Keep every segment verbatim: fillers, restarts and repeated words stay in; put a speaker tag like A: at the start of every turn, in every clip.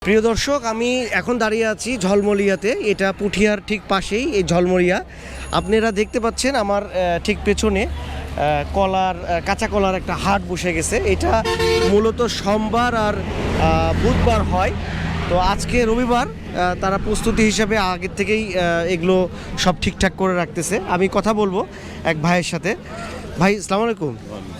A: প্রিয় দর্শক, আমি এখন দাঁড়িয়ে আছি ঝলমলিয়াতে। এটা পুঠিয়ার ঠিক পাশেই এই ঝলমলিয়া। আপনারা দেখতে পাচ্ছেন আমার ঠিক পেছনে কলার কাঁচা কলার একটা হাট বসে গেছে। এটা মূলত সোমবার আর বুধবার হয়। তো আজকে রবিবার, তারা প্রস্তুতি হিসাবে আগের থেকেই এগুলো সব ঠিকঠাক করে রাখতেছে। আমি কথা বলবো এক ভাইয়ের সাথে। ভাই, আসসালামু আলাইকুম।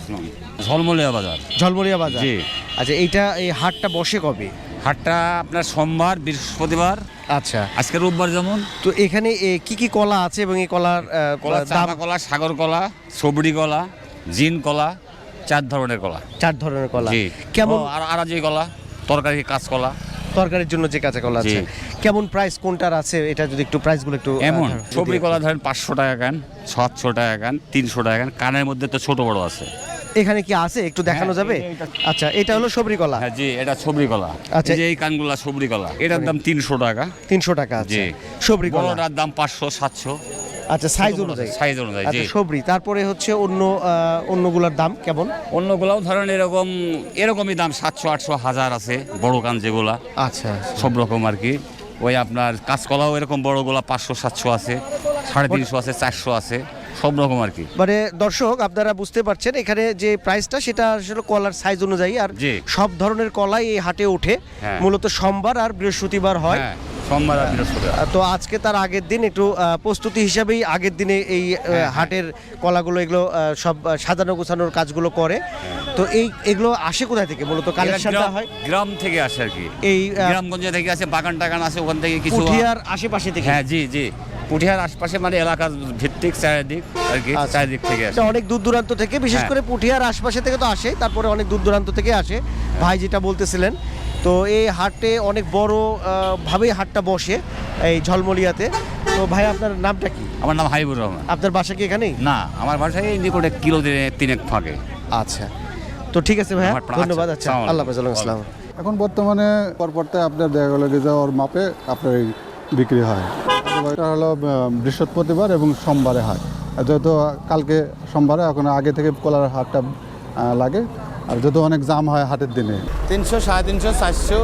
B: ঝলমলিয়া বাজার।
A: ঝলমলিয়া বাজার,
B: জি।
A: আচ্ছা, এইটা এই হাটটা বসে কবে?
B: হাটটা আপনার সোমবার, বৃহস্পতিবার।
A: আচ্ছা,
B: আজকে রোববার যেমন।
A: তো এখানে কি কি কলা আছে এবং এই কলার
B: কলা, চাপা কলা, সাগর কলা, সবরি কলা, জিন কলা, চার ধরনের কলা।
A: চার ধরনের কলা।
B: জি।
A: কেমন?
B: আর আরাজি কলা, তরকারি কাঁচ কলা,
A: তরকারির জন্য যে কাঁচা কলা আছে। কেমন প্রাইস কোনটার আছে, এটা যদি একটু প্রাইসগুলো একটু।
B: এমন সবরি কলা ধরেন পাঁচশো টাকা কান, সাতশো টাকা কান, তিনশো টাকা কান। কানের মধ্যে তো ছোট বড় আছে।
A: এখানে কি আছে একটু দেখানো যাবে? আচ্ছা, এটা হলো সবরি কলা।
B: হ্যাঁ জি, এটা সবরি কলা।
A: আচ্ছা,
B: এই কানগুলা সবরি কলা, এটার দাম তিনশো টাকা।
A: তিনশো টাকা আছে
B: জি।
A: সবরি কলা।
B: বড়টার দাম পাঁচশো, সাতশো।
A: আচ্ছা, সাইজ অনুযায়ী।
B: সাইজ অনুযায়ী, জি।
A: আচ্ছা, সবরি। তারপরে হচ্ছে অন্য অন্যগুলোর দাম কেমন?
B: অন্যগুলাও ধরেন এরকম এরকমই দাম, সাতশো, আটশো, হাজার আছে বড় কান যেগুলা।
A: আচ্ছা,
B: সব রকম আর কি। ওই আপনার কাঁচকলাও এরকম বড়গুলা পাঁচশো, সাতশো আছে, সাড়ে তিনশো আছে, চারশো আছে, সব রকম আর কি।
A: মানে দর্শক, আপনারা বুঝতে পারছেন এখানে যে প্রাইসটা, সেটা আসলে কলার সাইজ অনুযায়ী। আর সব ধরনের কলাই এই হাটে ওঠে। মূলত সোমবার আর বৃহস্পতিবার হয়।
B: সোমবার আর বৃহস্পতিবার।
A: তো আজকে তার আগের দিন একটু প্রস্তুতি হিসাবেই আগের দিনে এই হাটের কলাগুলো এগুলো সব সাজানো গোছানোর কাজগুলো করে। তো এই এগুলো আসে কোথায় থেকে? মূলত কালেকশনটা হয়
B: গ্রাম থেকে আসে আর কি।
A: এই
B: গ্রামগঞ্জ থেকে আসে, বাগান টাগান আছে ওখান থেকে কিছু।
A: পুঠিয়ার আশেপাশে থেকে?
B: হ্যাঁ জি জি, পুঠিয়ার আশপাশে, মানে এলাকার ভিত্তিক চারিদিক আর কি, চারিদিক থেকে আসে।
A: অনেক দূর দূরান্ত থেকে, বিশেষ করে পুঠিয়ার আশপাশে থেকে তো আসে, তারপরে অনেক দূর দূরান্ত থেকে আসে। ভাই যেটা বলতেছিলেন, তো এই হাটে অনেক বড় ভাবেই হাটটা বসে এই ঝলমলিয়াতে। তো ভাই, আপনার নামটা কি?
B: আমার নাম হাবিবুর রহমান।
A: আপনার বাসা কি এখানেই?
B: না, আমার বাসায় নিকটে কিলো তিনেক ফাঁকে।
A: আচ্ছা, তো ঠিক আছে ভাইয়া, ধন্যবাদ। আচ্ছা, আল্লাহ হাফেজ। আসসালাম।
C: এখন বর্তমানে পরপরতে আপনার দেখা গেল যে ওর মাপে আপনার বিক্রি হয়। এটা হলো বৃহস্পতিবার এবং সোমবারে হয়। যেহেতু কালকে সোমবারে, এখন আগে থেকে কলার হাটটা লাগে। আর যেহেতু অনেক জাম হয় হাটের দিনে।
D: তিনশো, সাড়ে তিনশো, চারশো।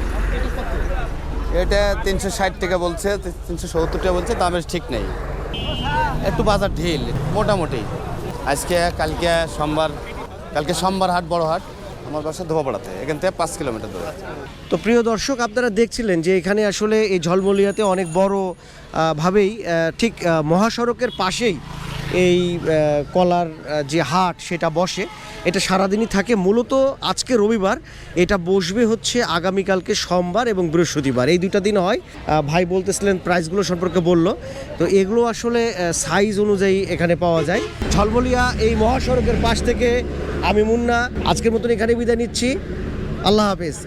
D: এটা তিনশো ষাট টাকা বলছে, তিনশো সত্তর টাকা বলছে, দামের ঠিক নেই। একটু বাজার ঢিল মোটামুটি। আজকে কালকে সোমবার, কালকে সোমবার হাট, বড় হাট। আমার বাসা ধোপাপাড়াতে, এখান থেকে পাঁচ কিলোমিটার দূরে।
A: তো প্রিয় দর্শক, আপনারা দেখছিলেন যে এখানে আসলে এই ঝলমলিয়াতে অনেক বড় ভাবেই ঠিক মহাসড়কের পাশেই এই কলার যে হাট সেটা বসে। এটা সারাদিনই থাকে। মূলত আজকে রবিবার, এটা বসবে হচ্ছে আগামীকালকে সোমবার এবং বৃহস্পতিবার, এই দুইটা দিন হয়। ভাই বলতেছিলেন প্রাইসগুলো সম্পর্কে বলল। তো এগুলো আসলে সাইজ অনুযায়ী এখানে পাওয়া যায়। ঝলমলিয়া এই মহাসড়কের পাশ থেকে আমি মুন্না আজকের মতন এখানে বিদায় নিচ্ছি। আল্লাহ হাফেজ।